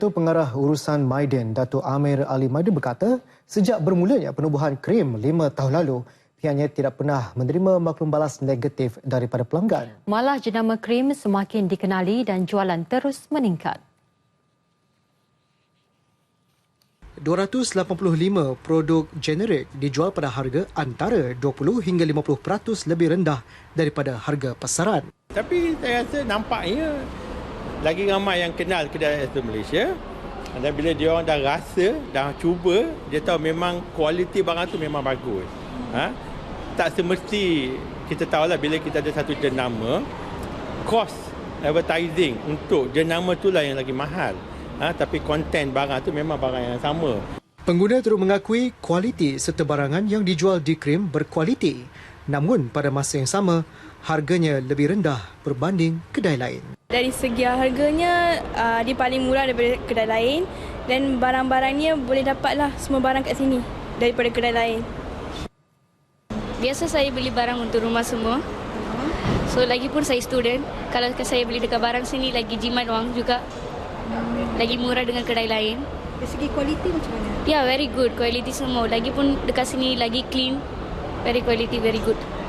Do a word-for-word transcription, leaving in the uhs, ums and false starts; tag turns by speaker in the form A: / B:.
A: Ketua Pengarah Urusan Maiden, Datuk Amir Ali Maiden berkata, sejak bermulanya penubuhan krim lima tahun lalu, pihaknya tidak pernah menerima maklum balas negatif daripada pelanggan.
B: Malah jenama krim semakin dikenali dan jualan terus meningkat.
A: dua ratus lapan puluh lima produk generik dijual pada harga antara dua puluh hingga lima puluh peratus lebih rendah daripada harga pasaran.
C: Tapi saya rasa nampaknya lagi ramai yang kenal kedai es Malaysia. Dan bila dia orang dah rasa, dah cuba, dia tahu memang kualiti barang tu memang bagus. Ha? Tak semesti kita tahulah bila kita ada satu jenama, kos advertising untuk jenama tu lah yang lagi mahal. Ha? Tapi konten barang tu memang barang yang sama.
A: Pengguna turut mengakui kualiti serta barangan yang dijual di krim berkualiti. Namun pada masa yang sama, harganya lebih rendah berbanding kedai lain.
D: Dari segi harganya, uh, dia paling murah daripada kedai lain dan barang-barangnya boleh dapatlah semua barang kat sini daripada kedai lain.
E: Biasa saya beli barang untuk rumah semua. So lagipun saya student, kalau saya beli dekat barang sini lagi jimat wang juga. Lagi murah dengan kedai lain.
F: Dari segi kualiti macam mana?
E: Ya, yeah, very good. Kualiti semua. Lagipun dekat sini lagi clean. Very quality, very good.